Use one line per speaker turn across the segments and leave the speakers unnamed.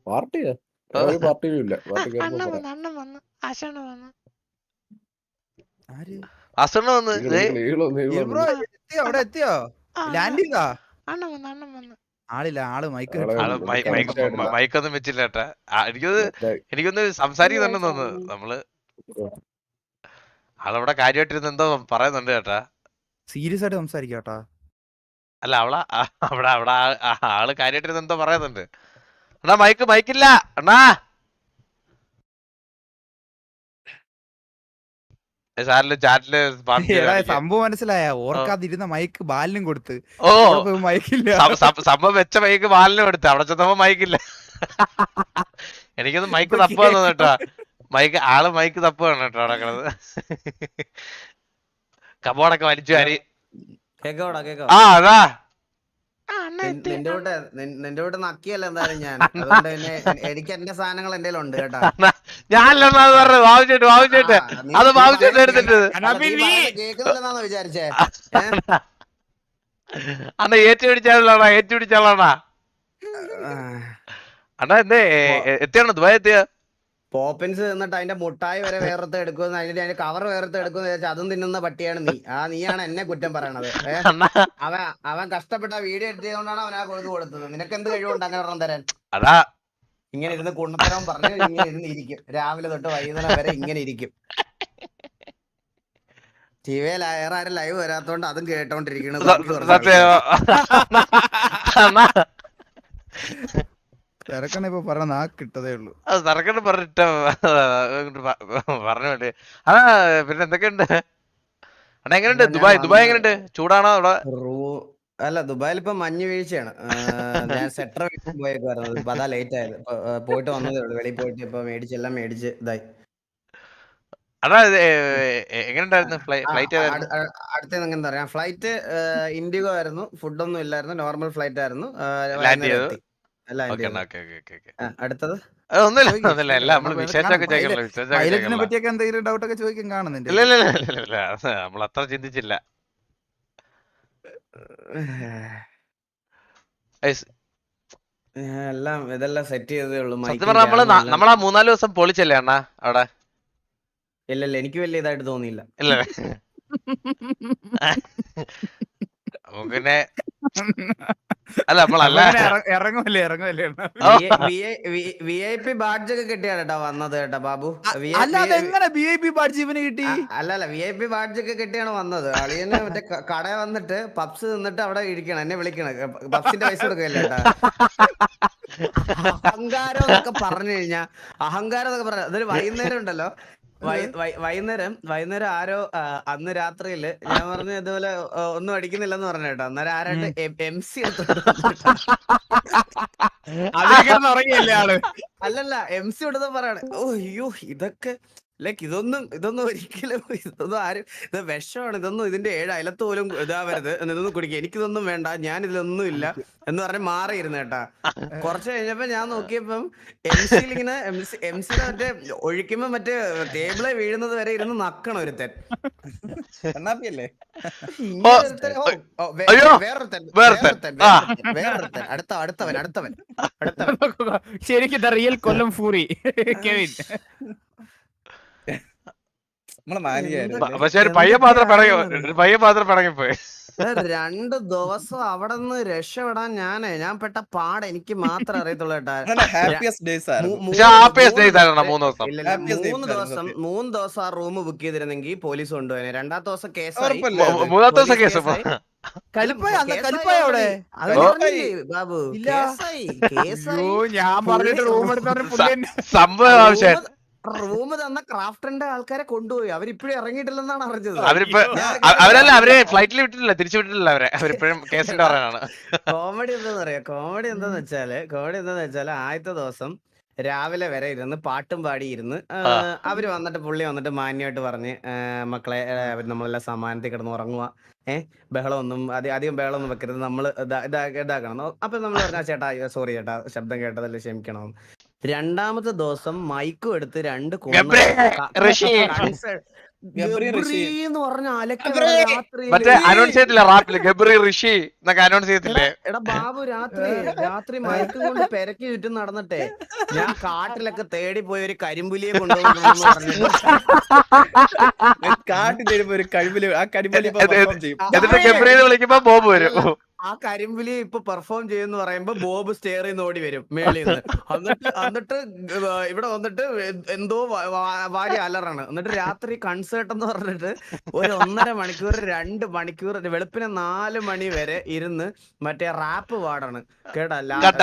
പാർട്ടിയാ? ഒരു പാർട്ടിയിലും ഇല്ല. പാർട്ടി കേറുമ്പോ
അണ്ണൻ
പറയാം.
വന്നു, അണ്ണൻ വന്നു, ആശാണ് വന്നു.
അസണ്ണ വന്ന്
ബ്രോ എത്തിയോ? അവിടെ എത്തിയോ? ലാൻഡ് ചെയ്താ?
അണ്ണൻ വന്നു, അണ്ണൻ വന്നു.
ആളില്ല, ആള് മൈക്ക്
മൈക്കൊന്നും വെച്ചില്ല ഏട്ടാ. എനിക്കൊന്ന് സംസാരിക്കുന്നുണ്ടെന്ന് തോന്നുന്നു. നമ്മള് ആളവിടെ കാര്യമായിട്ടിരുന്ന് എന്തോ പറയുന്നുണ്ട് ചേട്ടാ.
സീരിയസ് ആയിട്ട് സംസാരിക്കാട്ടാ.
അല്ല അവിടെ ആള് കാര്യമായിട്ടിരുന്ന് എന്തോ പറയുന്നുണ്ട്. അണ്ണാ മൈക്കില്ല അണ്ണാ. ചാറ്റില്
സംഭവം മനസ്സിലായ? ഓർക്കാതിരുന്ന മൈക്ക് ബാലിനും കൊടുത്ത്.
ഓ
മൈക്കില്ല.
സംഭവം വെച്ച മൈക്ക് ബാലിനും കൊടുത്ത്. അവിടെ ചെന്നപ്പോ മൈക്കില്ല. എനിക്കൊന്ന് മൈക്ക് തപ്പാന്ന് കേട്ടാ. ആള് മൈക്ക് തപ്പാണ് കേട്ടോ അവിടെ കിടന്ന്. കബോർഡൊക്കെ വലിച്ചു വാരി. ആ അതാ
നിന്റെ കൂടെ നക്കിയല്ല എന്തായാലും ഞാൻ. അതുകൊണ്ട് തന്നെ എനിക്ക് എന്റെ സാധനങ്ങൾ എന്റെ ഉണ്ട് കേട്ടാ.
ഞാനല്ലെന്നാ പറഞ്ഞത്. വാവിച്ചേട്ട് അത് വാവിച്ചേട്ട് എടുത്തിട്ട്
കേൾക്കുന്നില്ലെന്നാന്ന് വിചാരിച്ചേ.
അണ്ണാ ഏറ്റുപിടിച്ചാളാണാ. അണ്ണാ എന്തേ എത്തിയാണോ ദുബായ് എത്തിയ?
പോപ്പിൻസ് തിന്നിട്ട് അതിന്റെ മുട്ടായി വരെ വേറത്തെ എടുക്കുമെന്ന്, അതിന്റെ കവർ വേറത്തെ എടുക്കുമെന്ന് വിചാരിച്ചാൽ അതും തിന്നുന്ന പട്ടിയാണ് നീ. നീയാണ് എന്നെ കുറ്റം പറയണത്. അവൻ കഷ്ടപ്പെട്ട വീഡിയോ എഡിറ്റ് ചെയ്തുകൊണ്ടാണ് അവൻ ആ കൊടുത്തത്. നിനക്ക് എന്ത് കഴിവുണ്ട് അങ്ങനെ ഒരെണ്ണം തരാൻ?
അതാ
ഇങ്ങനെ ഇരുന്ന് കുണ്ണത്തരം പറഞ്ഞു ഇങ്ങനെ ഇരുന്ന് ഇരിക്കും. രാവിലെ തൊട്ട് വൈകുന്നേരം വരെ ഇങ്ങനെ ഇരിക്കും. ടിവിയിൽ ആരും ലൈവ് വരാത്തോണ്ട് അതും കേട്ടോണ്ടിരിക്കണത്.
തിരക്കണ ഇപ്പൊ പറഞ്ഞ കിട്ടതേ ഉള്ളൂ.
തിരക്കണ്ട് പറഞ്ഞിട്ട് പറഞ്ഞു വേണ്ടി. അതാ പിന്നെ എന്തൊക്കെയുണ്ട് അണ്ണാ? എങ്ങനെയുണ്ട് ദുബായ് എങ്ങനെയുണ്ട്? ചൂടാണോ അവിടെ?
അല്ല, ദുബായിൽ ഇപ്പൊ മഞ്ഞ് വീഴ്ചയാണ്. ഞാൻ സെറ്റർ പോയേക്കുവായിരുന്നു. ഇപ്പൊ അതാ ലേറ്റ് ആയത്. പോയിട്ട് വന്നതേ ഉള്ളൂ. വെളിയിൽ പോയിട്ട് ഇപ്പൊ എല്ലാം മേടിച്ച് ഇതായി.
അതാ എങ്ങനെയുണ്ടായിരുന്നു ഫ്ലൈറ്റ്?
അടുത്ത എന്താ പറയാ, ഫ്ലൈറ്റ് ഇൻഡിഗോ ആയിരുന്നു. ഫുഡൊന്നും ഇല്ലായിരുന്നു. നോർമൽ ഫ്ലൈറ്റ് ആയിരുന്നു.
ലാൻഡ് ചെയ്തു.
അടുത്തത്
പൈലറ്റിനെ പറ്റിയൊക്കെ എന്തെങ്കിലും ഡൗട്ട് ഒക്കെ ചോദിക്കാൻ കാണുന്നുണ്ട്?
നമ്മൾ അത്ര ചിന്തിച്ചില്ല.
ഇതെല്ലാം സെറ്റ് ചെയ്തേ ഉള്ളൂ.
സത്യം പറഞ്ഞാൽ നമ്മളാ 3-4 ദിവസം പൊളിച്ചല്ലേ അണ്ണാ അവിടെ?
ഇല്ലല്ല, എനിക്ക് വലിയ ഇതായിട്ട് തോന്നിയില്ല.
ഇല്ല പിന്നെ അല്ല നമ്മളല്ല
ഇറങ്ങുമല്ലേ
VIP ബാഡ്ജ് ഒക്കെ കിട്ടിയാണ് കേട്ടാ വന്നത് കേട്ടാ ബാബു.
അതെങ്ങനെ VIP ബാഡ്ജ് ഇവന് കിട്ടി?
അല്ലല്ല, VIP ബാഡ്ജ് ഒക്കെ കിട്ടിയാണ് വന്നത്. അളിയന് മറ്റേ കട വന്നിട്ട് പപ്സ് തിന്നിട്ട് അവിടെ ഇരിക്കണം, എന്നെ വിളിക്കണം. പപ്സിന്റെ പൈസ കൊടുക്കല്ലേ കേട്ടാ. അഹങ്കാരം എന്നൊക്കെ പറഞ്ഞു കഴിഞ്ഞാ, അഹങ്കാരം എന്നൊക്കെ പറഞ്ഞ അതൊരു വൈകുന്നേരം ഉണ്ടല്ലോ. വൈകുന്നേരം ആരോ അന്ന് രാത്രിയില് ഞാൻ പറഞ്ഞു ഇതുപോലെ ഒന്നും അടിക്കുന്നില്ലെന്ന് പറഞ്ഞു കേട്ടോ. അന്നേരം ആരായിട്ട് MC അല്ലല്ല MC എടുത്ത് പറയാണ്. ഓ അയ്യോ, ഇതൊക്കെ ലൈക്ക് ഇതൊന്നും ഒരിക്കലും ആരും ഇത് വിഷമാണ്. ഇതിന്റെ 7 അയലത്ത് പോലും ഇതാവരുത്. ഇതൊന്നും കുടിക്കുക, എനിക്കിതൊന്നും വേണ്ട, ഞാൻ ഇതിലൊന്നും ഇല്ല എന്ന് പറഞ്ഞ് മാറിയിരുന്നു കേട്ടാ. കുറച്ച് കഴിഞ്ഞപ്പോ ഞാൻ നോക്കിയപ്പം MC മറ്റേ ഒഴിക്കുമ്പോ മറ്റേ ടേബിളെ വീഴുന്നത് വരെ ഇരുന്ന് നക്കണം ഒരുത്തൻ. വേറൊരുത്തൻ
ശരിക്കും റിയൽ കൊല്ലം ഫൂറി കെവിൻ.
പക്ഷെ ഒരു പയ്യൻ മാത്രം പിടങ്ങിപ്പോയി.
2 ദിവസം അവിടെ നിന്ന് രക്ഷപ്പെടാൻ ഞാൻ പെട്ട പാട് എനിക്ക് മാത്രമേ അറിയത്തുള്ളൂ കേട്ടാ. 3 ദിവസം ആ റൂം ബുക്ക് ചെയ്തിരുന്നെങ്കിൽ പോലീസ് കൊണ്ടുപോയി. 2ാമത്തെ ദിവസം കേസായി.
3ാമത്തെ ദിവസം കേസ്
ബാബു.
ഞാൻ പറഞ്ഞിട്ട് റൂം
സംഭവം ആവശ്യം.
റൂം തന്ന ക്രാഫ്റ്ററിന്റെ ആൾക്കാരെ കൊണ്ടുപോയി. അവരിപ്പോഴും ഇറങ്ങിയിട്ടില്ലെന്നാണ് അറിഞ്ഞത്.
അവരെ ഫ്ലൈറ്റിൽ വിട്ടിട്ടില്ല, തിരിച്ചു വിട്ടിട്ടില്ല. അവരിപ്പോഴും കേസിന്റെ പറയാനാണ്.
കോമഡി എന്താന്ന് വെച്ചാല് ആദ്യത്തെ ദിവസം രാവിലെ വരെ ഇരുന്ന് പാട്ടും പാടിയിരുന്ന് അവര് വന്നിട്ട് പുള്ളി വന്നിട്ട് മാന്യമായിട്ട് പറഞ്ഞ് മക്കളെ നമ്മളെല്ലാം സമാനത്തിൽ കിടന്ന് ഉറങ്ങുക, ബഹളമൊന്നും അധികം ബഹളമൊന്നും വെക്കരുത്, നമ്മള് ഇതാക്കണം. അപ്പൊ നമ്മൾ പറഞ്ഞ ചേട്ടാ സോറി ചേട്ടാ, ശബ്ദം കേട്ടതല്ലേ, ക്ഷമിക്കണം. 2ാമത്തെ ദിവസം മൈക്കും എടുത്ത് 2
ഗബ്രി ഋഷി.
എന്ന് പറഞ്ഞ അലക്ക
ഗബ്രി.
രാത്രിയില്.
മറ്റേ അനൗൺസ് ചെയ്യത്തില്ല റാപ്പില് ഗബ്രി ഋഷി എന്നൊക്കെ അനൗൺസ് ചെയ്യത്തില്ലേ?
എടാ ബാബു രാത്രി മയക്കും കൊണ്ട് പെരക്കി ചുറ്റും നടന്നിട്ടെ ഞാൻ കാട്ടിലൊക്കെ തേടി പോയി ഒരു കരിമ്പുലിയെ കൊണ്ടുപോകുന്നു പറഞ്ഞിട്ട്
കാട്ടിൽ തരുമ്പോ ഒരു കഴിവില് ആ കരിമ്പലി perform ചെയ്യും.
എന്നിട്ട് ഗബ്രി എന്ന് വിളിക്കുമ്പോ ബോബ് വരും.
ആ കരിമ്പുലി ഇപ്പൊ പെർഫോം ചെയ്യുന്ന പറയുമ്പോ ബോബ് സ്റ്റെയർ ചെയ്ത് ഓടി വരും മേളിൽ നിന്ന്. എന്നിട്ട് ഇവിടെ വന്നിട്ട് എന്തോ വാരി അലറാണ്. എന്നിട്ട് രാത്രി കൺസേർട്ട് എന്ന് പറഞ്ഞിട്ട് ഒരു 1.5 മണിക്കൂർ 2 മണിക്കൂർ വെളുപ്പിനെ 4 മണി വരെ ഇരുന്ന് മറ്റേ റാപ്പ് പാടാണ് കേട്ടാ.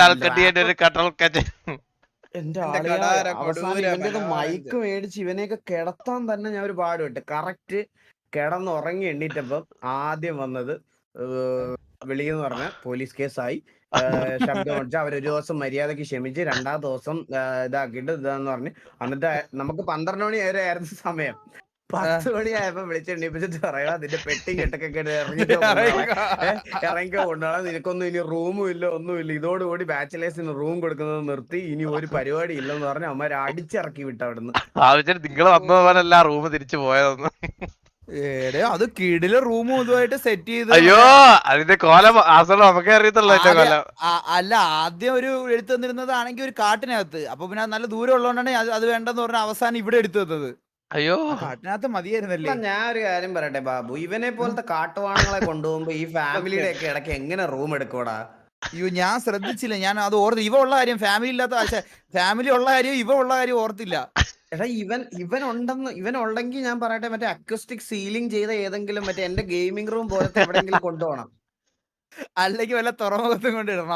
എന്റെ അവസാനം ഇവന്റെ മൈക്ക് മേടിച്ച് ഇവനെയൊക്കെ കിടത്താൻ തന്നെ ഞാൻ ഒരു പാടുപെട്ട്. കറക്റ്റ് കിടന്നുറങ്ങി എണ്ണീറ്റപ്പം ആദ്യം വന്നത് വിളിയെന്ന് പറഞ്ഞ പോലീസ് കേസായി. ശബ്ദം അടിച്ച് അവരൊരു ദിവസം മര്യാദക്ക് ക്ഷമിച്ച് 2ാം ദിവസം ഇതാക്കിയിട്ട് ഇതാന്ന് പറഞ്ഞ് എന്നിട്ട് നമുക്ക് 12 മണി വരെ ആയിരുന്നു സമയം. 10 മണിയായപ്പോ വിളിച്ചെണ്ണിപ്പിച്ചിട്ട് പറയാ അതിന്റെ പെട്ടി കെട്ടൊക്കെ ഇറങ്ങിക്കോ കൊണ്ടുപോകാം, നിനക്കൊന്നും ഇനി റൂമും ഇല്ല ഒന്നുമില്ല, ഇതോടുകൂടി ബാച്ചിലേഴ്സിന് റൂം കൊടുക്കുന്നത് നിർത്തി, ഇനി ഒരു പരിപാടി ഇല്ലെന്ന് പറഞ്ഞ് അമ്മ അടിച്ചിറക്കി വിട്ട അവിടുന്ന്.
നിങ്ങൾ വന്നതുപോലല്ല റൂം തിരിച്ചു പോയതൊന്നും.
അത് കിടില് റൂമും ഇതുമായിട്ട് സെറ്റ് ചെയ്ത്.
അയ്യോ അതിന്റെ കോലം ആസനം നമുക്കേ അറിയത്തുള്ളൂ.
അല്ല ആദ്യം ഒരു എടുത്തു തന്നിരുന്നതാണെങ്കിൽ ഒരു കാട്ടിനകത്ത്, അപ്പൊ പിന്നെ നല്ല ദൂരം ഉള്ളതുകൊണ്ടാണ് അത് വേണ്ടെന്ന് പറഞ്ഞ അവസാനം ഇവിടെ എടുത്തു തന്നത്.
അയ്യോ
കാട്ടിനകത്ത് മതിയായിരുന്നല്ലേ.
ഞാൻ ഒരു കാര്യം പറയട്ടെ ബാബു, ഇവനെ പോലത്തെ കാട്ടുവാണങ്ങളെ കൊണ്ടുപോകുമ്പോ ഈ ഫാമിലിയുടെ ഒക്കെ ഇടയ്ക്ക് എങ്ങനെ റൂം എടുക്കൂടാ?
അയ്യോ ഞാൻ ശ്രദ്ധിച്ചില്ല, ഞാൻ അത് ഓർത്ത്. ഇവ ഉള്ള കാര്യം ഫാമിലി ഇല്ലാത്ത ഫാമിലി ഉള്ള കാര്യം ഇവ ഉള്ള കാര്യം ഓർത്തില്ല.
എടാ ഇവൻ ഉണ്ടെങ്കിൽ ഞാൻ പറയട്ടെ മറ്റേ അക്വസ്റ്റിക് സീലിംഗ് ചെയ്ത ഏതെങ്കിലും മറ്റേ എന്റെ ഗെയിമിംഗ് റൂം പോലത്തെ എവിടെയെങ്കിലും കൊണ്ടുപോകണം.
അല്ലെങ്കിൽ വല്ല തുറമുഖത്തും കൊണ്ടിടണം,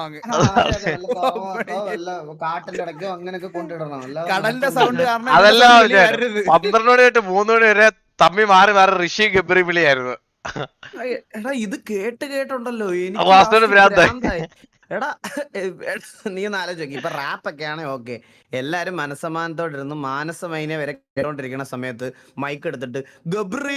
കാട്ടിന്റെ ഇടയ്ക്കോ അങ്ങനെയൊക്കെ കൊണ്ടിടണം.
കടലിന്റെ സൗണ്ട് കാരണം.
അതല്ല 12 മണി തൊട്ട് 3 മണി വരെ തമ്മി മാറി മാറി ഋഷി ഗബ്രി വിളിയായിരുന്നു.
എടാ ഇത് കേട്ടുണ്ടല്ലോ
ഭ്രാന്തായി.
എടാ നീ ഒന്ന് ആലോചിക്കും. ഇപ്പൊ റാപ്പൊക്കെ ആണെ ഓക്കെ, എല്ലാരും മനസ്സമാനത്തോടിരുന്ന് മാനസമൈനെ വരെ കേട്ടോണ്ടിരിക്കുന്ന സമയത്ത് മൈക്ക് എടുത്തിട്ട് ഗബ്രി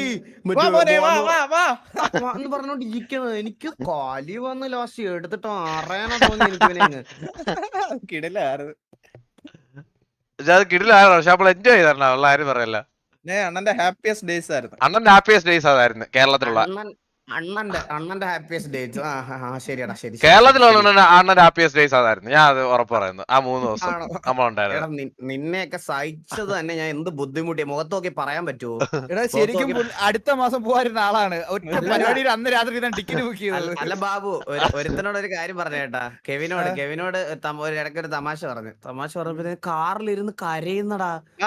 എന്ന് പറഞ്ഞോണ്ട് ഇരിക്കുന്നത് എനിക്ക് കാലി വന്ന് ലാസ്റ്റ് എടുത്തിട്ട് അറിയാനോ തോന്നി എനിക്ക്.
കിടിലായിരുന്നു.
കിടിലായിരുന്നു. പക്ഷെ അപ്പോൾ എൻജോയ് ചെയ്തായിരുന്നു ഉള്ള ആരും പറയല്ല.
അണ്ണന്റെ ഹാപ്പിയസ്റ്റ് ഡേയ്സ് ആയിരുന്നു.
അണ്ണന്റെ ഹാപ്പിയസ്റ്റ് ഡേയ്സ് അതായിരുന്നു കേരളത്തിലുള്ള.
അണ്ണന്റെ ഹാപ്പിയസ്റ്റ് ഡേയ്സ്. ശരിയാടാ ശരി.
കേരളത്തിലുള്ള അണ്ണന്റെ ഹാപ്പിയസ്റ്റ് ഡേയ്സ് അതായിരുന്നു. ഞാൻ അത് ഉറപ്പ് പറയുന്നു. ആ 3 ദിവസം നമ്മളുണ്ടായിരുന്നു.
നിന്നെയൊക്കെ സഹിച്ചത് തന്നെ ഞാൻ എന്ത് ബുദ്ധിമുട്ടിയ മുഖത്ത് നോക്കി പറയാൻ പറ്റുമോ?
എടാ ശരിക്കും അടുത്ത മാസം പോകാറുന്ന ആളാണ്. ഒറ്റ പരിപാടിയിൽ അന്ന് രാത്രി ടിക്കറ്റ് ബുക്ക് ചെയ്തത്.
അല്ല ബാബു, ഒരുത്തനോട് ഒരു കാര്യം പറഞ്ഞേട്ടാ. കെവിനോട് ഇടയ്ക്ക് ഒരു തമാശ പറഞ്ഞപ്പോ കാറിലിരുന്ന് കരയുന്നടാ.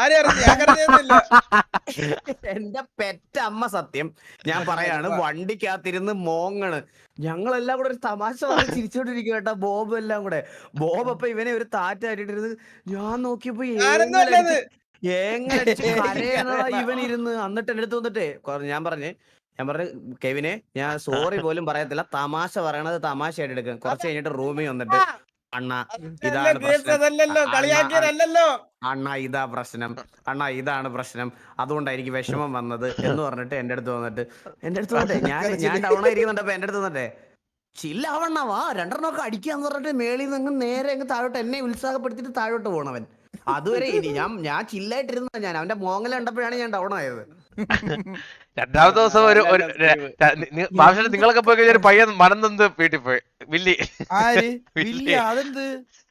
എന്റെ പെറ്റ അമ്മ സത്യം ഞാൻ പറയാണ്, വണ്ടിക്കകത്തിരുന്ന് മോങ്ങണ്. ഞങ്ങളെല്ലാം കൂടെ ഒരു തമാശ പറഞ്ഞ് ചിരിച്ചോണ്ടിരിക്കും കേട്ടാ. ബോബ് എല്ലാം കൂടെ. ബോബ് അപ്പൊ ഇവനെ ഒരു താറ്റായിട്ടിരുന്ന് ഞാൻ നോക്കിയപ്പോ എങ്ങനെ കരയാനടാ ഇവൻ ഇരുന്ന്. എന്നിട്ട് എന്റെ അടുത്ത് വന്നിട്ടേ ഞാൻ പറഞ്ഞു കെവിനെ ഞാൻ സോറി പോലും പറയത്തില്ല, തമാശ പറയണത് തമാശയായിട്ട് എടുക്കും. കുറച്ച് കഴിഞ്ഞിട്ട് റൂമിൽ വന്നിട്ട് അണ്ണാ ഇതാണ് പ്രശ്നം, അതുകൊണ്ടായിരിക്കും വിഷമം വന്നത് എന്ന് പറഞ്ഞിട്ട് എന്റെ അടുത്ത് വന്നിട്ട് ഞാൻ ടൗൺ ആയിരിക്കുന്നുണ്ടപ്പോ എന്റെ അടുത്ത് വന്നിട്ടേ ചില്ലാവണ്ണ വാ 2 അടിക്കാന്ന് പറഞ്ഞിട്ട് മേളിൽ നിന്ന് നേരെ അങ്ങ് താഴോട്ട് എന്നെ ഉത്സാഹപ്പെടുത്തിട്ട് താഴോട്ട് പോണവൻ. അതുവരെ ഇനി ഞാൻ ചില്ലായിട്ടിരുന്ന ഞാൻ അവന്റെ മോങ്ങല കണ്ടപ്പോഴാണ് ഞാൻ ഡൗൺ ആയത്.
2ാമത്തെ ദിവസം ഒരു നിങ്ങളൊക്കെ പോയി കഴിഞ്ഞ ഒരു പയ്യൻ മനം നൊന്ത് വീട്ടിൽ പോയി. വില്ലി
അതെന്ത്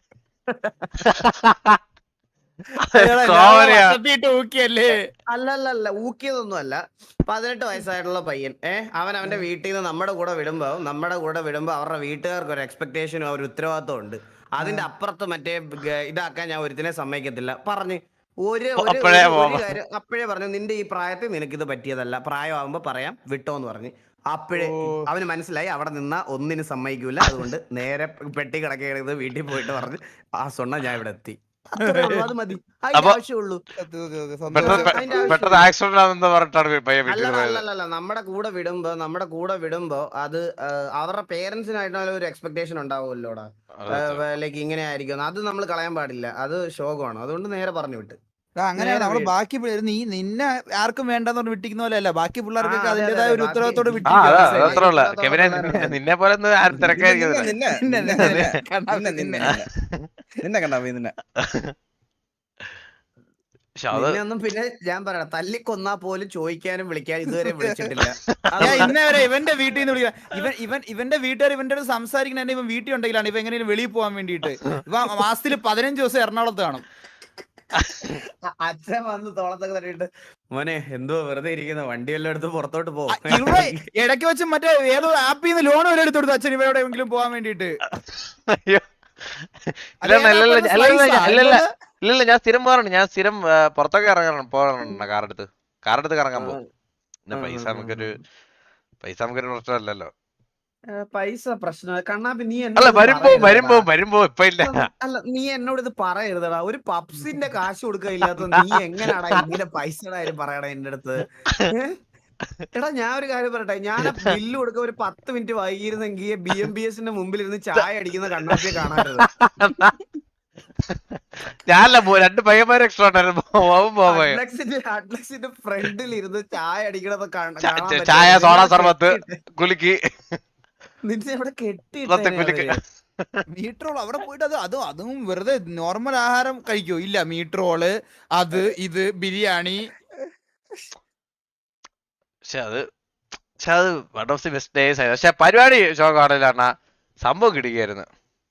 അല്ലല്ല ഊക്കിയതൊന്നും അല്ല. 18 വയസ്സായിട്ടുള്ള പയ്യൻ അവന്റെ വീട്ടിൽ നിന്ന് നമ്മുടെ കൂടെ വിടുമ്പോ അവരുടെ വീട്ടുകാർക്ക് ഒരു എക്സ്പെക്ടേഷനും ഒരു ഉത്തരവാദിത്വം ഉണ്ട്. അതിന്റെ അപ്പുറത്ത് മറ്റേ ഇതാക്കാൻ ഞാൻ ഒരുത്തിനെ സമ്മതിക്കത്തില്ല പറഞ്ഞ് അപ്പോഴേ പറഞ്ഞു നിന്റെ ഈ പ്രായത്തിൽ നിനക്കിത് പറ്റിയതല്ല, പ്രായമാകുമ്പോ പറയാം വിട്ടോന്ന് പറഞ്ഞ്. അപ്പോഴേ അവന് മനസ്സിലായി അവിടെ നിന്നാ ഒന്നിനും സമ്മതിക്കൂല. അതുകൊണ്ട് നേരെ പെട്ടി കിടക്കുന്നത് വീട്ടിൽ പോയിട്ട് പറഞ്ഞ് ആ സ്വണ്ണ ഞാൻ ഇവിടെ എത്തി. അത് മതി, അതിന്റെ ആവശ്യമുള്ളൂ. അല്ലല്ല നമ്മുടെ കൂടെ വിടുമ്പോ അത് അവരുടെ പേരൻസിനായിട്ടുള്ള ഒരു എക്സ്പെക്ടേഷൻ ഉണ്ടാവുമല്ലോടാ. ലൈക്ക് ഇങ്ങനെ ആയിരിക്കും, അത് നമ്മൾ കളയാൻ പാടില്ല. അത് ശോകമാണ്. അതുകൊണ്ട് നേരെ പറഞ്ഞു വിട്ട്.
അങ്ങനെയാണ് നമ്മള് ബാക്കി നിന്നെ ആർക്കും വേണ്ടെന്ന് പറഞ്ഞ് വിട്ടിക്കുന്ന പോലെ അല്ല, ബാക്കി പിള്ളേർക്കൊക്കെ അതിന്റേതായ ഒരു ഉത്തരവാദിത്തോടെ
നിന്നെ പോലെ
നിന്നെ കണ്ടാ നിന്നെ
പക്ഷെ അത്
നിന്നെയൊന്നും പിന്നെ ഞാൻ പറയണം തല്ലിക്കൊന്നാ പോലും ചോദിക്കാനും വിളിക്കാനും ഇതുവരെ വിളിച്ചിട്ടില്ല.
ഞാൻ ഇന്നേ വരെ ഇവന്റെ വീട്ടിൽ നിന്ന് വിളിക്കാം. ഇവന്റെ വീട്ടുകാർ ഇവന്റെ അടുത്ത് സംസാരിക്കുന്ന ഇവൻ വീട്ടിൽ ഉണ്ടെങ്കിലാണ് ഇവ എങ്ങനെയും വെളിയിൽ പോകാൻ വേണ്ടിയിട്ട്. ഇവ മാസത്തിൽ 15 ദിവസം എറണാകുളത്ത് കാണും.
അച്ഛൻ വന്ന് തോളത്തൊക്കെ തട്ടിയിട്ട് മോനെ എന്തോ വെറുതെ ഇരിക്കുന്ന വണ്ടി എല്ലാം എടുത്ത് പുറത്തോട്ട് പോകും.
ഇവ ഇടയ്ക്ക് വെച്ച് മറ്റേ ഏതോ ആപ്പിൽ നിന്ന് ലോൺ വരെ എടുത്തു കൊടുത്തു അച്ഛൻ ഇവ എവിടെയെങ്കിലും പോകാൻ വേണ്ടിയിട്ട്.
അയ്യോ ഇല്ലല്ല ഞാൻ സ്ഥിരം പോകാറുണ്ട്. ഞാൻ സ്ഥിരം പുറത്തൊക്കെ പോകാറുണ്ട്. കാറെടുത്ത് കറങ്ങാൻ പോകും. പിന്നെ പൈസ നമുക്കൊരു പ്രശ്നമല്ലല്ലോ.
പൈസ പ്രശ്നം കണ്ണാപ്പി നീ
അല്ല വരുമ്പോ ഇപ്പൊ ഇല്ല.
അല്ല നീ എന്നോട് ഇത് പറയരുതടാ. ഒരു പപ്സിന്റെ കാശ് കൊടുക്കുക ഇല്ലാത്ത നീ എങ്ങനെയാടാ ഇങ്ങനെ പൈസയുടെ കാര്യം പറയണ എന്റെ അടുത്ത്? എടാ ഞാൻ ഒരു കാര്യം പറയട്ടെ, ഞാൻ ബില്ല് കൊടുക്ക ഒരു 10 മിനിറ്റ് വൈകിയിരുന്നെങ്കിൽ BMBSന്റെ മുമ്പിൽ ഇരുന്ന് ചായ അടിക്കുന്ന കണ്ണാപ്പിയെ കാണാറുണ്ട്.
ഞാനല്ല 2 പയ്യന്മാർ എക്സ്ട്രാ ഉണ്ടായിരുന്നു.
അഡ്ലക്സിന്റെ ഫ്രണ്ടിൽ ഇരുന്ന് ചായ അടിക്കണത്
ചായ സോഡ സർബത്ത് കുലുക്കി
നിന്നെ അവിടെ കെട്ടി
മീറ്റ് അവിടെ പോയിട്ട് അതും വെറുതെ നോർമൽ ആഹാരം കഴിക്കോ? ഇല്ല, മീറ്റ് റോള് അത് ഇത് ബിരിയാണി.
പക്ഷെ അത് one of the best days ആയിരുന്നു. പക്ഷെ പരിപാടി ഷോ കാണില്ലാണ് സംഭവം കിടിക്കായിരുന്നു.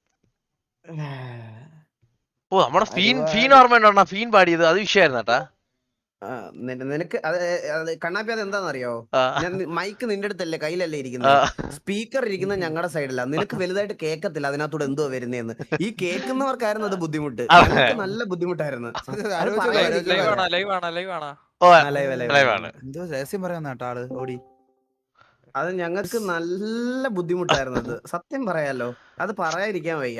ഓ നമ്മുടെ ഫീൻ ഓർമ്മ ഫീൻ പാടിയത് അത് വിഷയമായിരുന്നു കേട്ടാ.
നിനക്ക് കണ്ണാപ്പി അത് എന്താണെന്നറിയോ? ഞാൻ മൈക്ക് നിന്റെ അടുത്തല്ലേ കയ്യിലല്ലേ ഇരിക്കുന്നത്, സ്പീക്കർ ഇരിക്കുന്നത് ഞങ്ങളുടെ സൈഡില. നിനക്ക് വലുതായിട്ട് കേക്കത്തില്ല അതിനകത്തൂടെ എന്തോ വരുന്നേന്ന്. ഈ കേൾക്കുന്നവർക്കായിരുന്നു അത് ബുദ്ധിമുട്ട്. നല്ല ബുദ്ധിമുട്ടായിരുന്നു.
എന്തോ രഹസ്യം പറയാൻ ആള് ഓടി.
അത് ഞങ്ങൾക്ക് നല്ല ബുദ്ധിമുട്ടായിരുന്നു. അത് സത്യം പറയാലോ, അത് പറയാതിരിക്കാൻ വയ്യ.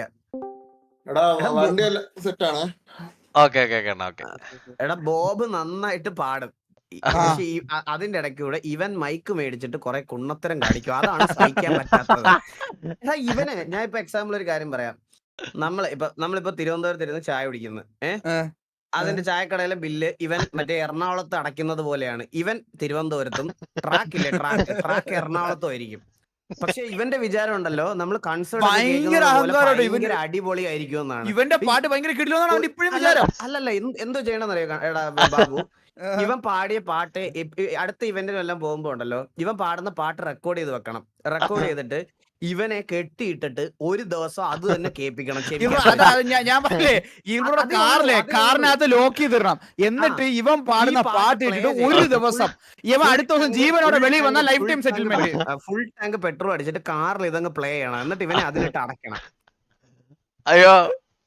എടാ ബോബ് നന്നായിട്ട് പാടും. അതിന്റെ ഇടയ്ക്കൂടെ ഇവൻ മൈക്ക് മേടിച്ചിട്ട് കുറെ കുണ്ണത്തരം കാണിക്കും. അതാണ് സഹിക്കാൻ പറ്റാത്തത്. എടാ ഇവന് ഞാൻ ഇപ്പൊ എക്സാമ്പിൾ ഒരു കാര്യം പറയാം. നമ്മളിപ്പോ തിരുവനന്തപുരത്ത് ഇരുന്ന് ചായ കുടിക്കുന്നു. അതിന്റെ ചായക്കടയിലെ ബില്ല് ഇവൻ മറ്റേ എറണാകുളത്ത് അടയ്ക്കുന്നത് പോലെയാണ്. ഇവൻ തിരുവനന്തപുരത്തും ട്രാക്ക് എറണാകുളത്തും ആയിരിക്കും. പക്ഷെ ഇവന്റെ വിചാരം ഉണ്ടല്ലോ നമ്മൾ കൺസേർട്ട് അടിപൊളി ആയിരിക്കും എന്നാണ്.
ഇവന്റെ പാട്ട് ഭയങ്കര
അല്ലല്ല എന്തോ ചെയ്യണമെന്നറിയോ എടാ ബാബു? ഇവൻ പാടിയ പാട്ട് അടുത്ത ഇവന്റിനും എല്ലാം പോകുമ്പോ ഉണ്ടല്ലോ ഇവൻ പാടുന്ന പാട്ട് റെക്കോർഡ് ചെയ്ത് വെക്കണം. റെക്കോർഡ് ചെയ്തിട്ട് ഇവനെ കെട്ടിയിട്ടിട്ട് ഒരു ദിവസം അത് തന്നെ കേൾപ്പിക്കണം.
ഞാൻ പറഞ്ഞേ കാറിനകത്ത് ലോക്ക് ചെയ്തിടണം. എന്നിട്ട് ഇവൻ പാടുന്ന പാട്ട് ഇട്ടിട്ട് ഒരു ദിവസം ഇവൻ അടുത്ത ദിവസം ജീവനോടെ വെളിയിൽ വന്ന lifetime settlement.
Full tank petrol അടിച്ചിട്ട് കാറിൽ ഇതങ്ങ് പ്ലേ ചെയ്യണം. എന്നിട്ട് ഇവനെ അതിലിട്ട് അടയ്ക്കണം.
അയ്യോ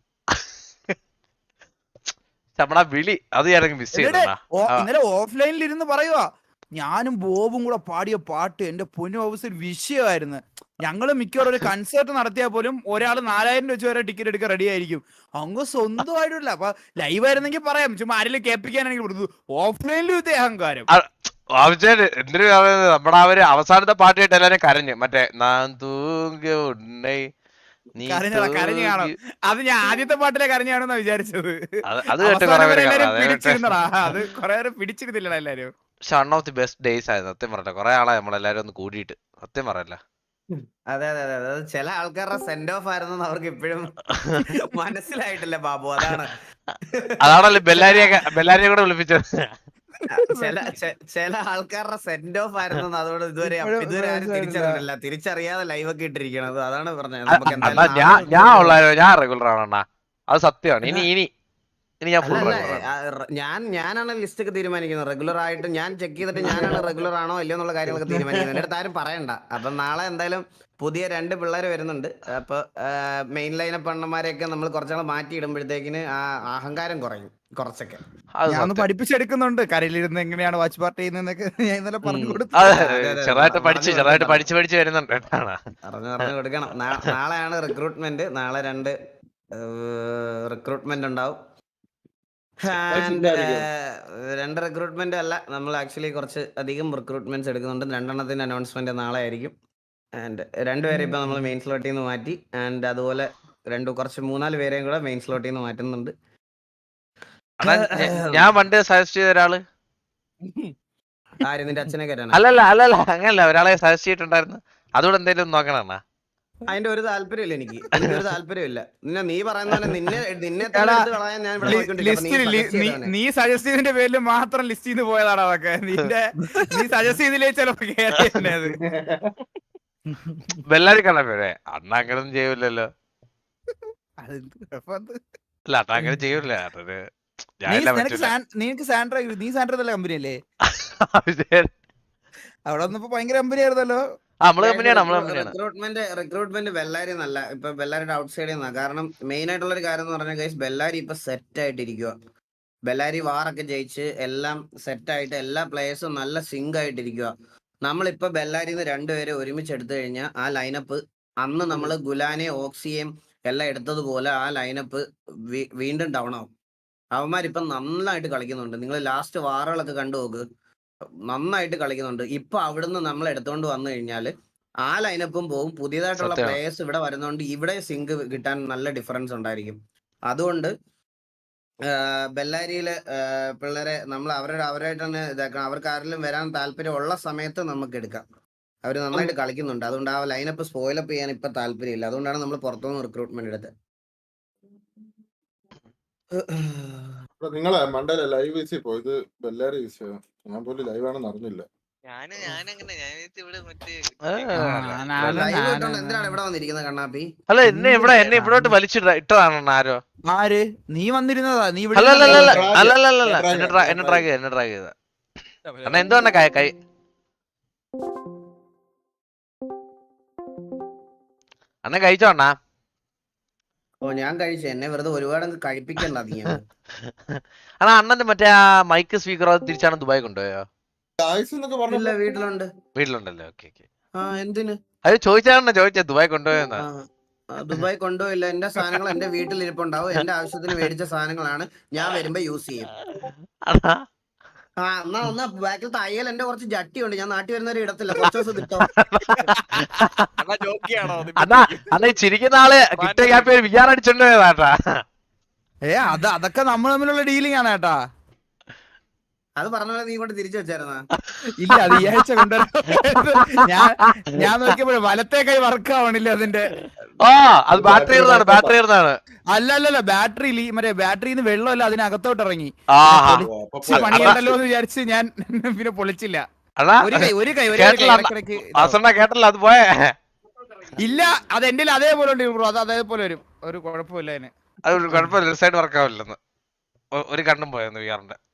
വിളി അത് മിസ്
ഇന്നലെ ഓഫ്ലൈനിൽ ഇരുന്ന് പറയുവാ, ഞാനും ബോബും കൂടെ പാടിയ പാട്ട് എന്റെ പൊന്നു ഹൗസിൽ വിഷയമായിരുന്നു. ഞങ്ങള് മിക്കവാറും ഒരു കൺസേർട്ട് നടത്തിയാൽ പോലും ഒരാൾ 4000 വെച്ച് വരെ ടിക്കറ്റ് എടുക്കാൻ റെഡി ആയിരിക്കും. അങ്ങ് സ്വന്തമായിട്ടില്ല. അപ്പൊ ലൈവ് ആയിരുന്നെങ്കിൽ പറയാം, ചുമ്മാ ആരെങ്കിലും കേൾപ്പിക്കാനാണെങ്കിൽ കൊടുത്തു. ഓഫ്ലൈനിലും ഇതേ അഹങ്കാരം.
എന്തിനു നമ്മുടെ അവര് അവസാനത്തെ പാട്ടായിട്ട് എല്ലാരും കരഞ്ഞു. മറ്റേ
കരഞ്ഞു കാണും. അത് ഞാൻ ആദ്യത്തെ പാട്ടിലെ കരഞ്ഞു കാണുന്ന വിചാരിച്ചത്.
അത്
പിടിച്ചിരുന്നടാ. അത് കൊറേ നേരം പിടിച്ചിരുന്നില്ലടാ എല്ലാരും.
പക്ഷെ one of the best days ആയിരുന്നു സത്യം പറഞ്ഞ. കുറെ ആളായി നമ്മളെല്ലാരും ഒന്ന് കൂടിയിട്ട് സത്യം പറയല്ല.
അതെ അതെ അതെ അതെ ചില ആൾക്കാരുടെ സെൻഡ് ഓഫ് ആയിരുന്നു അവർക്ക് ഇപ്പോഴും മനസ്സിലായിട്ടില്ല ബാബു.
അതാണല്ലോ ബെല്ലാരിയെ കൂടെ വിളിപ്പിച്ചത്.
ചില ആൾക്കാരുടെ സെൻഡ് ഓഫ് ആയിരുന്നു. അതുകൊണ്ട് ഇതുവരെ ആരും തിരിച്ചറിയില്ല. തിരിച്ചറിയാതെ ലൈവ് ഒക്കെ ഇട്ടിരിക്കണത്. അതാണ് പറഞ്ഞത്.
ഞാൻ റെഗുലർ ആണ്. അത് സത്യമാണ്. ഇനി
ഞാനാണ് ലിസ്റ്റ് ഒക്കെ തീരുമാനിക്കുന്നത്. റെഗുലർ ആയിട്ട് ഞാൻ ചെക്ക് ചെയ്തിട്ട് ഞാനാണ് റെഗുലർ ആണോ ഇല്ലയോ എന്നുള്ള കാര്യങ്ങളൊക്കെ തീരുമാനിക്കുന്നത്. എന്റെ അടുത്ത് ആരും പറയണ്ട. അപ്പൊ നാളെ എന്തായാലും പുതിയ 2 പിള്ളേർ വരുന്നുണ്ട്. അപ്പൊ മെയിൻ ലൈനപ്പ് അണ്ണന്മാരെയൊക്കെ നമ്മൾ കുറച്ചാൾ മാറ്റി ഇടുമ്പോഴത്തേക്കിന് ആ അഹങ്കാരം കുറയും കുറച്ചൊക്കെ.
ഞാൻ പഠിപ്പിച്ചെടുക്കുന്നുണ്ട്. കരയിലിരുന്ന് എങ്ങനെയാണ് വാച്ച് പാർട്ടി ചെയ്യുന്നതൊക്കെ ഞാൻ ഇന്നലെ പറഞ്ഞു കൊടുത്തു.
ചെറുതായിട്ട് പഠിച്ചു വരുന്നുണ്ട്.
പറഞ്ഞു കൊടുക്കണം. നാളെയാണ് റിക്രൂട്ട്മെന്റ്. നാളെ 2 റിക്രൂട്ട്മെന്റ് ഉണ്ടാവും. 2 റിക്രൂട്ട്മെന്റ് അല്ല, നമ്മൾ ആക്ച്വലി കുറച്ച് അധികം റിക്രൂട്ട്മെന്റ്സ് എടുക്കുന്നുണ്ട്. 2 എണ്ണത്തിന്റെ അനൗൺസ്മെന്റ് നാളെ ആയിരിക്കും. ആൻഡ് 2 പേരെ ഇപ്പൊ നമ്മൾ മെയിൻ സ്ലോട്ടിൽ നിന്ന് മാറ്റി. ആൻഡ് അതുപോലെ കുറച്ച് 3-4 പേരെയും കൂടെ മെയിൻ സ്ലോട്ടിൽ നിന്ന് മാറ്റുന്നുണ്ട്.
ഞാൻ പണ്ട് സജസ്റ്റ് ചെയ്ത ഒരാള്
ആര് നിന്റെ അച്ഛനെ കയറ്റാൻ?
അല്ലല്ല അങ്ങനല്ല, ഒരാളെ സജസ്റ്റ് ചെയ്തിട്ടുണ്ടായിരുന്നു. അതുകൂടെ എന്തെങ്കിലും നോക്കണം.
അതിന്റെ ഒരു താല്പര്യമില്ല എനിക്കൊരു താല്പര്യമില്ല. നീ പറയുന്ന പോലെ നിന്നെ തന്നെ
എടാ,
എടുത്ത് കളയാൻ ഞാൻ ഇവിടെ
ലിസ്റ്റിൽ നീ സജസ്റ്റ് ചെയ്തതിന്റെ പേരിൽ മാത്രം ലിസ്റ്റ് ചെയ്ത് പോയതാണ് അതൊക്കെ. നീ സജസ്റ്റ് ചെയ്തില്ലേ ചിലപ്പോ കേറി തന്നെ അത്.
ബെല്ലാരി കള്ളപ്പേ അണ്ണ അങ്ങനൊന്നും ചെയ്യൂലല്ലോ.
അതെന്ത് കുഴപ്പമെന്ത്?
അല്ല അണ്ണ അങ്ങനെ ചെയ്യൂല. അണ്ണന്
നീ
ഞാനില്ല
നിനക്ക് സാൻഡ്ര നല്ല കമ്പനി അല്ലേ? അവിടെ വന്നപ്പോ ഭയങ്കര കമ്പനി ആയിരുന്നല്ലോ.
നമ്മള് കമ്പനിയാണ്.
റിക്രൂട്ട്മെന്റ് ബെല്ലാരി നല്ല. ഇപ്പൊ ബെല്ലാരിയുടെ ഔട്ട് സൈഡിൽ നിന്നാ. കാരണം മെയിൻ ആയിട്ടുള്ള ഒരു കാര്യം എന്ന് പറഞ്ഞാൽ ഗൈസ്, ബെല്ലാരി ഇപ്പൊ സെറ്റ് ആയിട്ടിരിക്കുക. ബെല്ലാരി വാറൊക്കെ ജയിച്ച് എല്ലാം സെറ്റ് ആയിട്ട് എല്ലാ പ്ലേയേഴ്സും നല്ല സിങ്ക് ആയിട്ടിരിക്കുക. നമ്മളിപ്പോ ബെല്ലാരിന്ന് രണ്ടുപേരെ ഒരുമിച്ച് എടുത്തു കഴിഞ്ഞാൽ ആ ലൈനപ്പ് അന്ന് നമ്മൾ ഗുലാനെ ഓക്സിയെയും എല്ലാം എടുത്തതുപോലെ ആ ലൈനപ്പ് വീണ്ടും ഡൗൺ ആവും. അവന്മാരിപ്പം നന്നായിട്ട് കളിക്കുന്നുണ്ട്. നിങ്ങൾ ലാസ്റ്റ് വാറുകളൊക്കെ കണ്ടു നോക്ക്, നന്നായിട്ട് കളിക്കുന്നുണ്ട്. ഇപ്പൊ അവിടുന്ന് നമ്മൾ എടുത്തോണ്ട് വന്നു കഴിഞ്ഞാല് ആ ലൈനപ്പും പോകും. പുതിയതായിട്ടുള്ള
സത്യമാണ്.
പ്ലേയേഴ്സ് ഇവിടെ വരുന്നോണ്ട് ഇവിടെ സിങ്ക് കിട്ടാൻ നല്ല ഡിഫറൻസ് ഉണ്ടായിരിക്കും. അതുകൊണ്ട് ബെല്ലാരിയിലെ പിള്ളേരെ നമ്മൾ അവരായിട്ട് തന്നെ ഇതാക്കണം. അവർക്ക് ആരെങ്കിലും വരാൻ താല്പര്യമുള്ള സമയത്ത് നമുക്ക് എടുക്കാം. അവർ നന്നായിട്ട് കളിക്കുന്നുണ്ട്. അതുകൊണ്ട് ആ ലൈനപ്പ് സ്പോയിലപ്പ് ചെയ്യാൻ ഇപ്പൊ താല്പര്യമില്ല. അതുകൊണ്ടാണ് നമ്മൾ പുറത്തുനിന്ന് റിക്രൂട്ട്മെന്റ് എടുത്തത്.
നിങ്ങളെ മണ്ടയിലെ ലൈവ് വീസി പോയത് ബെല്ലാരി വീസിയോ? ഞാൻ പോലും ലൈവ് ആണെന്ന് അറിഞ്ഞില്ല.
ലൈവ് ഇട്ടോണ്ട് എന്തിനാണ് ഇവിടെ വന്നിരിക്കുന്നത് കണ്ണാപ്പി?
അല്ല എന്നെ ഇവിടോട്ട് ഇട്ടതാണ് ആരോ.
ആര്? നീ വന്നിരുന്നതാ? നീ
അല്ലല്ലല്ല എന്നെ ട്രാക്ക് ചെയ്ത അണ്ണ എന്തുകൊണ്ട കൈ അണ്ണ കഴിച്ചോ അണ്ണാ?
ഓ ഞാൻ കഴിച്ചു. എന്നെ വെറുതെ ഒരുപാട് കഴിപ്പിക്കണ്ട നീ.
അണ്ണാ അണ്ണന്റെ മറ്റേ ആ മൈക്ക് സ്പീക്കർ തിരിച്ചാണ് ദുബായ് കൊണ്ടുപോയോ?
ഇല്ല,
വീട്ടിലുണ്ടല്ലോ. ഓക്കെ.
എന്തിന്
അത് ചോദിച്ചാ ദുബായ് കൊണ്ടുപോയെന്നാ?
ദുബായ് കൊണ്ടുപോയില്ല. എന്റെ സാധനങ്ങൾ എന്റെ വീട്ടിൽ ഇരിപ്പുണ്ടാവും. എന്റെ ആവശ്യത്തിന് മേടിച്ച സാധനങ്ങളാണ്. ഞാൻ വരുമ്പോ യൂസ് ചെയ്യും. എന്നാ ഒന്ന് ബാക്കിൽ തയ്യൽ എന്റെ കുറച്ച് ജട്ടിയുണ്ട്. ഞാൻ നാട്ടിൽ വരുന്നവരെ ഇടത്തില്ല. കുറച്ച് ദിവസം കിട്ടോ.
അണ്ണാ ചിരിക്കുന്ന ആള് കിട്ടിയ ഗ്യാപ്പ് വിചാരം അടിച്ചോണ്ട് പോയതാട്ടാ.
അതൊക്കെ നമ്മൾ തമ്മിലുള്ള ഡീലിംഗ് ആണ് കേട്ടാ.
അത് പറഞ്ഞ പോലെ നീ കൊണ്ട് തിരിച്ചു വെച്ചായിരുന്നാ?
ഇല്ല, അത് ഈ ആഴ്ച കൊണ്ടുവരാൻ ഞാൻ നോക്കിയപ്പോഴേ വലത്തെ കൈ വർക്ക് ആവണില്ല അതിന്റെ.
അത് ബാറ്ററി ഇരുന്നാണ്.
അല്ലല്ല, മറ്റേ ബാറ്ററിന്ന് വെള്ളമല്ല അതിനകത്തോട്ട് ഇറങ്ങി. പണിയുണ്ടല്ലോ എന്ന് വിചാരിച്ച് ഞാൻ പിന്നെ പൊളിച്ചില്ല. ഒരു കൈ
കേട്ടല്ലോ അത് പോയേ.
ഇല്ല, അത് എന്റെ അതേപോലെ ഉണ്ട് ബ്രോ. അത് അതേപോലെ വരും. ഒരു കുഴപ്പമില്ല അതിന്.
അത് കുഴപ്പമില്ല. സൈഡ് വർക്ക് ആവില്ലെന്ന് ഒരു കണ്ണും പോയെന്ന് വിചാറിന്റെ.